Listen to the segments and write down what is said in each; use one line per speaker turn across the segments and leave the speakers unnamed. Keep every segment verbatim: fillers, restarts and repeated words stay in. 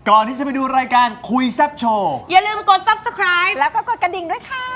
ก่อนที่จะไปดูรายการคุยแซ่บโชว์
อย่าลืมกด ซับสไครบ์
แล้วก็กดกระดิ่งด้วยค่ะ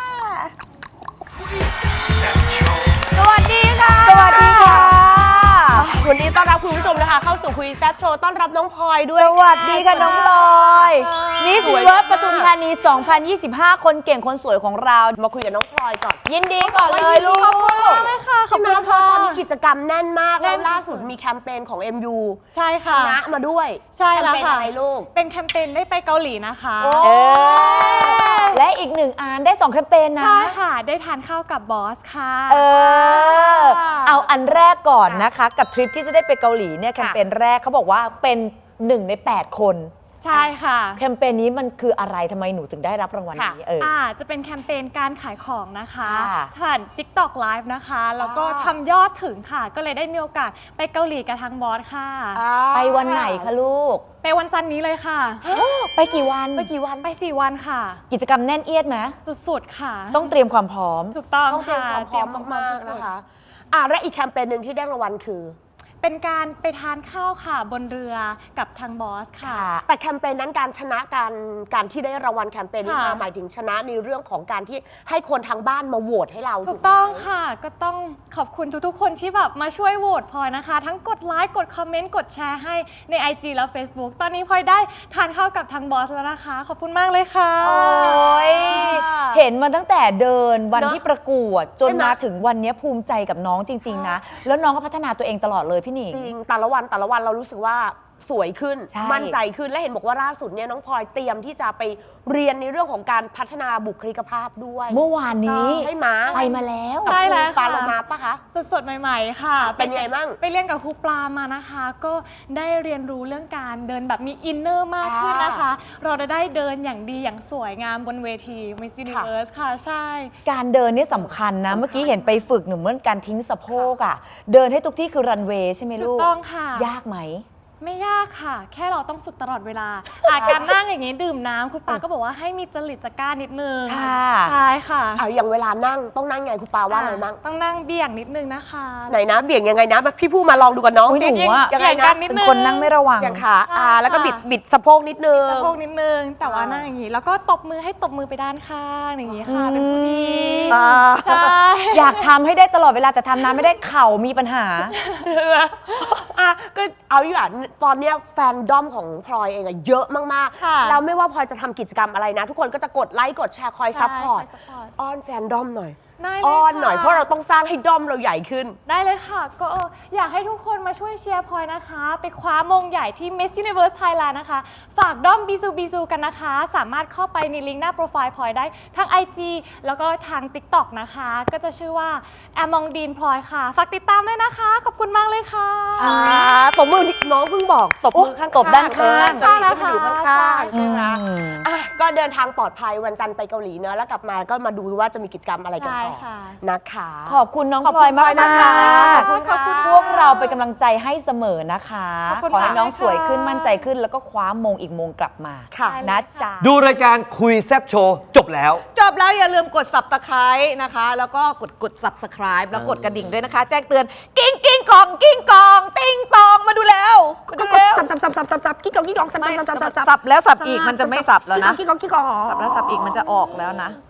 สวัสดีค่ะ
สวัสดีค่ะ
วันนี้ต้อนรับคุณผู้ชมนะคะเข้าสู่คุยแซ่บโชว์ต้อนรับน้องพลอยด้วย
สวัสดีค่ะน้องพลอยมิสยูนิเวิร์สปทุมธานี สองพันยี่สิบห้า คนเก่งคนสวยของเรา
มาคุยกับน้องพลอยก่อน
ยินดีก่อนเลยลูก
ขอบคุณมากเลยค่ะขอบคุณค่ะตอนนี้กิจกรรมแน่นมากแล้วล่าสุดมีแคมเปญของ เอ็ม ยู
ใช่ค่ะ
ชนะมาด้วย
ใช่แล้วค่ะ
แคมเปญอะไรลูก
เป็นแคมเปญได้ไปเกาหลีนะคะ
เออและอีกหนึ่งอันได้สองแคมเปญนะ
ใช่ค่ะได้ทานข้าวกับบอสค่ะ
เออเอาอันแรกก่อนนะคะกับทริปที่จะได้ไปเกาหลีเนี่ยแคมเปญแรกเขาบอกว่าเป็นหนึ่งในแปดคน
ใช่ค่ะ
แคมเปญนี้มันคืออะไรทำไมหนูถึงได้รับรางวัลนี้เออ
อ่าจะเป็นแคมเปญการขายของนะคะ
ค่ะ
ผ่าน ติ๊กต็อก ไลฟ์ นะคะแล้วก็ทำยอดถึงค่ะก็เลยได้มีโอกาสไปเกาหลีกับทางบอสค่ะ
ไปวันไหนคะลูก
ไปวันจันทร์นี้เลยค่ะ
ไปกี่วัน
ไปกี่วัน
ไปสี่วันค่ะ
กิจกรรมแน่นเอียดไหม
สุดๆค่ะ
ต้องเตรียมความพร้อม
ถูกต้อง
ต้องเตรียมความพร้อมมากๆนะคะอ่ะและอีกแคมเปญหนึ่งที่ได้รางวัลคือ
เป็นการไปทานข้าวค่ะบนเรือกับทางบอสค่ะ
แต่แคมเปญนั้นการชนะการการที่ได้รางวัลแคมเปญนี้มาหมายถึงชนะในเรื่องของการที่ให้คนทางบ้านมาโหวตให้เรา
ถูกต้องค่ะก็ต้องขอบคุณทุกๆคนที่แบบมาช่วยโหวตพลอยนะคะทั้งกดไลค์กดคอมเมนต์กดแชร์ให้ใน ไอ จี และ Facebook ตอนนี้พลอยได้ทานข้าวกับทางบอสแล้วนะคะขอบคุณมากเลยค่ะ
โอ้ยเห็นมาตั้งแต่เดินวันที่ประกวดจนมาถึงวันนี้ภูมิใจกับน้องจริงๆนะแล้วน้องก็พัฒนาตัวเองตลอดเลยพี่หนิง
จริงแต่ละวันแต่ละวันเรารู้สึกว่าสวยขึ้นมั่นใจขึ้นและเห็นบอกว่าล่าสุดเนี่ยน้องพลอยเตรียมที่จะไปเรียนในเรื่องของการพัฒนาบุคลิกภาพด้วย
เมื่อวานนี้
ใช่ไหม
ไปมาแล้ว
ใช่แล้วค่ะ
ปลาโลมาปะคะ
สดๆใหม่ๆค่ะ
เป็นไงบ้าง
ไปเรียนกับครูปลามานะคะก็ได้เรียนรู้เรื่องการเดินแบบมีอินเนอร์มากขึ้นนะคะเราจะได้เดินอย่างดีอย่างสวยงามบนเวที Miss Universe ค่ะใช่
การเดินนี่สำคัญนะเมื่อกี้เห็นไปฝึกหนูเหมือนการทิ้งสะโพกอ่ะเดินให้ทุกที่คือรันเวย์ใช่ไหมลูก
ถูกต้องค่ะ
ยากไหม
ไม่ยากค่ะแค่เราต้องฝึกตลอดเวลาอาการนั่งอย่างนี้ดื่มน้ำคุณปาก็บอกว่าให้มีจริตจักร้านิดนึงใช่ค่ะ
อย่างเวลานั่งต้องนั่งไงคุณปาว่าอะไรนั่ง
ต้องนั่งเบี่ยงนิดนึงนะคะ
ไหนนะเบี่ยงยังไงนะพี่ผู้มาลองดูกันน้อง
หนูว่า
เบี่ยงกันนิดนึง
เป็นคนนั่งไม่ระวัง
อย่างขาอ่าแล้วก็บิดบิดสะโพกนิดนึง
สะโพกนิดนึงแต่ว่านั่งอย่างนี้แล้วก็ตบมือให้ตบมือไปด้านข้างอย่างนี้ค่ะเป็นผู้ดีใช่
อยากทำให้ได้ตลอดเวลาแต่ทำนานไม่ได้เข่ามีปัญหา
อ่ะก็เอาอยู่อ่ะตอนเนี้ยแฟนด้อมของพลอยเองอะเยอะมากๆแล้วไม่ว่าพลอยจะทำกิจกรรมอะไรนะทุกคนก็จะกดไลค์กดแชร์คอยซัพพอร์ตอ้อนแฟนด้อมหน่อยอ้อนหน่อยเพราะเราต้องสร้างให้ด้อมเราใหญ่ขึ้น
ได้เลยค่ะก็อยากให้ทุกคนมาช่วยเชียร์พลอยนะคะไปคว้ามงใหญ่ที่ Miss Universe Thailand นะคะฝากด้อมบีซูบีซูกันนะคะสามารถเข้าไปในลิงก์หน้าโปรไฟล์พลอยได้ทาง ไอ จี แล้วก็ทาง ติ๊กต็อก นะคะก็จะชื่อว่าแอมองดีนพลอยค่ะฝากติดตามด้วยนะคะขอบคุณมากเลยค่ะ
ตบมือน้องเพิ่งบอกตบมือข้าง
ตบด้านข้าง
จะมีคนอยู่ข้างๆใช่ไหมก็เดินทางปลอดภัยวันจันทร์ไปเกาหลีเนอะแล้วกลับมาก็มาดูว่าจะมีกิจกรรมอะไรกันต่อนะคะ
ขอบคุณน้องพลอยมากนะคะ
ขอบคุณ
พวกเราเป็นกำลังใจให้เสมอนะคะขอให้น้องสวยขึ้นมั่นใจขึ้นแล้วก็คว้ามงอีกมงกลับมานะจ๊ะ
ดูรายการคุยแซ่บโชว์จบแล้ว
จบแล้วอย่าลืมกด ซับสไครบ์ นะคะแล้วก็กดกด ซับสไครบ์ แล้วกดกระดิ่งด้วยนะคะแจ้งเตือนกิ้งกิ้งกองกิ้งกองติ้งตองมาดูแล้ว
ก็กดสับสับสับสับสับสับกิ้งกองกิ้งกองสับสับสับสับ
สับแล้วสับอีกมันจะไม่สับแล้วนะ
กิ้งกองกิ้งกอง
สับแล้วสับอีกมันจะออกแล้วนะ